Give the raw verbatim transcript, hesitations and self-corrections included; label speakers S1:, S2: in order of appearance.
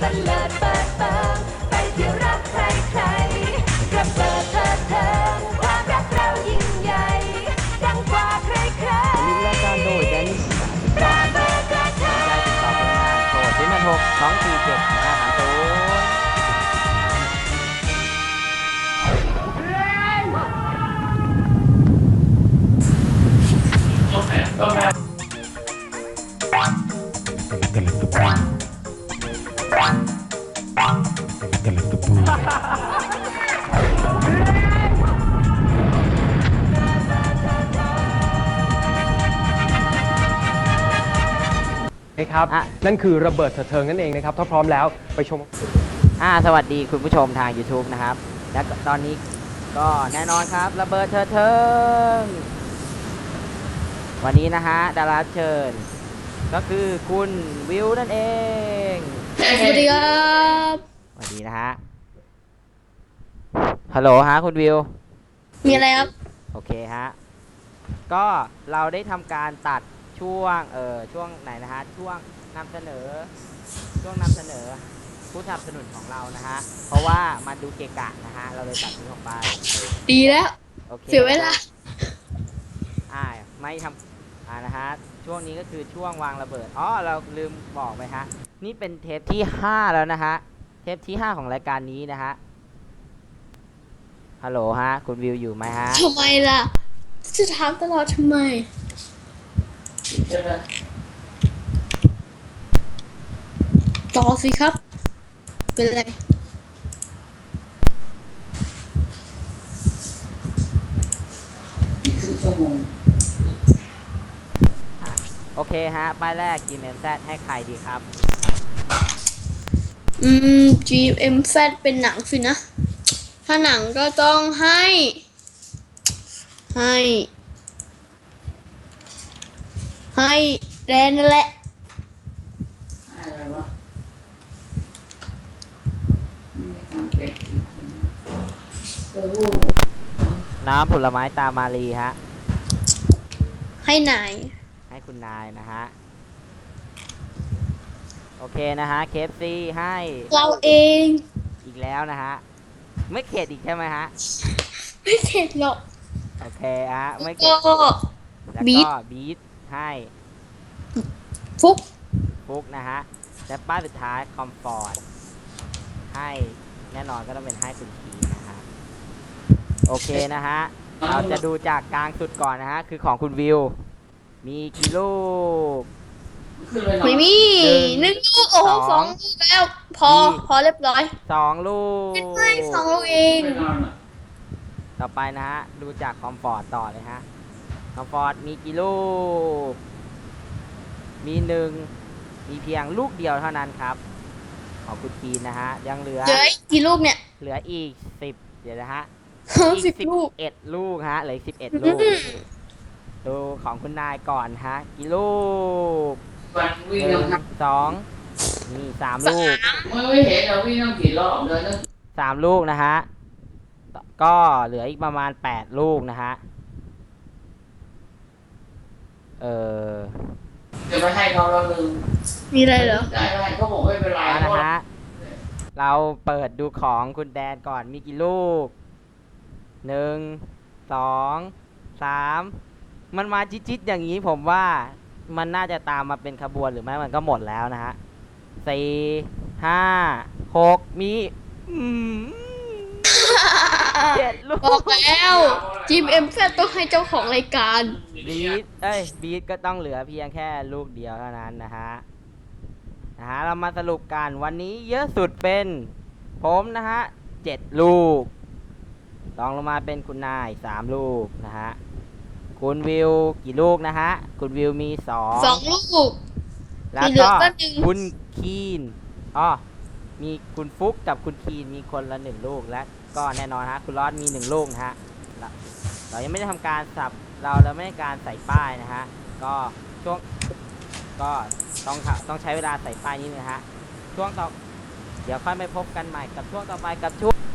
S1: บันเลิศเปิดเปิงไปเที่ยวรักใครใครระเบิดเถิดเทิงความรักเรายิ่งใหญ่ดังกว่าใครใคร
S2: ลิงก์รายการโดยแดนนิส
S1: ระเบิดเถิดเทิง
S2: ได้ติดต่อพนักงานโทรศูนย์แปดหกสองสี่เจ็ดห้าสามศูนย์
S3: ครับนั่นคือระเบิดเถิดเทิงนั่นเองนะครับถ้าพร้อมแล้วไปชม
S2: อ่าสวัสดีคุณผู้ชมทาง YouTube นะครับและตอนนี้ก็แน่นอนครับระเบิดเถิดเทิงวันนี้นะฮะดาราเชิญก็คือคุณวิวนั่นเอง
S4: สวัสดีครับ
S2: สวัสดีนะฮะฮัลโหลฮะคุณวิว
S4: มีอะไรครับ
S2: โอเคฮะก็เราได้ทำการตัดช่วงเออช่วงไหนนะฮะช่วงนำเสนอช่วงนำเสนอผู้สนับสนุนของเรานะฮะเพราะว่ามันดูเกะกะนะฮะเราเลยตัดทิ้งออกไป
S4: ดีแล้ว
S2: โอเค
S4: เสียเวลา
S2: อ่าไม่ทำอ่านะฮะช่วงนี้ก็คือช่วงวางระเบิดอ๋อเราลืมบอกไปฮะนี่เป็นเทปที่ห้าแล้วนะฮะเทปที่ห้าของรายการนี้นะฮะฮัลโหลฮะคุณวิวอยู่ไหมฮะ
S4: ทำไมล่ะจะถามตลอดทำไมต่อสิครับเป็นไร
S2: โอเคฮะป้ายแรก จี เอ็ม แซด ให้ใครดีครับ
S4: อืม จี เอ็ม แซด เป็นหนังสินะถ้าหนังก็ต้องให้ให้ให้แดนนั่นแหละ
S2: น้ำผลไม้ตามารีฮะ
S4: ให้นาย
S2: ให้คุณนายนะฮะโอเคนะฮะเคฟซีให้
S4: เราเอง
S2: อีกแล้วนะฮะไม่เข็ดอีกใช่ไหมฮะ
S4: ไม่เข็ดหรอก
S2: โอเคฮะไม่เข็ดแล้วก็บีทให้
S4: ฟุก
S2: ฟุกนะฮะและป้ายสุดท้ายคอมฟอร์ตให้แน่นอนก็ต้องเป็นให้คุณทีนะฮะโอเคนะฮะเราจะดูจากกลางสุดก่อนนะฮะคือของคุณวิวมีกี่ลูก
S4: ไม่มีหนึ่งลูกโอ้โหสองลูกแล้วพอพอเรียบร้อย
S2: สองลูก
S4: ไม่สองลูกเอง
S2: ต่อไปนะฮะดูจากคอมฟอร์ตต่อเลยฮะคอมฟอร์ตมีกี่ลูกมีหนึ่งมีเพียงลูกเดียวเท่านั้นครับของคุณทีนะฮะยังเหลือ
S4: เหลือกี่ลูกเนี่ย
S2: เหลืออีกสิบเดี๋ยวนะฮะ
S4: อีกสิบลูก
S2: เอ็ดลูกฮะเหลือสิบเอ็ดลูกดูของคุณนายก่อนฮะกี่ลูกหนึ่งสองนี่สามลูก
S5: ไม่เห็นเราวิ่งต้องกี่รอบเลยนะ
S2: สามลูกนะฮะก็เหลืออีกประมาณแปดลูกนะฮะเออ
S5: จะไปให้เขาเราลืม
S4: มีอะไรเหรอ
S5: ได้ไหมเขาบอกไม่เป็นไร
S2: นะฮะเราเปิดดูของคุณแดนก่อนมีกี่ลูกหนึ่งสองสามมันมาจิตๆอย่างนี้ผมว่ามันน่าจะตามมาเป็นขบวนหรือไม่มันก็หมดแล้วนะฮะสี่ห้าหกมีเจ็ดลูก
S4: บอกแล้วจีเอ็มแซดต้องให้เจ้าของรายการ
S2: บีทเอ้ยบีทก็ต้องเหลือเพียงแค่ลูกเดียวเท่านั้นนะฮะนะฮะเรามาสรุปกันวันนี้เยอะสุดเป็นผมนะฮะเจ็ดลูกลองลงมาเป็นคุณนายสามลูกนะฮะคุณวิวกี่ลูกนะฮะคุณวิวมีสอง
S4: สองลูก
S2: แล้วก็คุณคีนอ๋อมีคุณฟุกกับคุณคีนมีคนละหนึ่งลูกและก็แน่นอนฮะคุณรอดมีหนึ่งลูกนะฮะเรายังไม่ได้ทำการสับเราเราไม่ได้การใส่ป้ายนะฮะก็ช่วงก็ต้องต้องใช้เวลาใส่ป้ายนี้นะฮะช่วงต่อเดี๋ยวค่อยไปพบกันใหม่กับช่วงต่อไปกับช่วง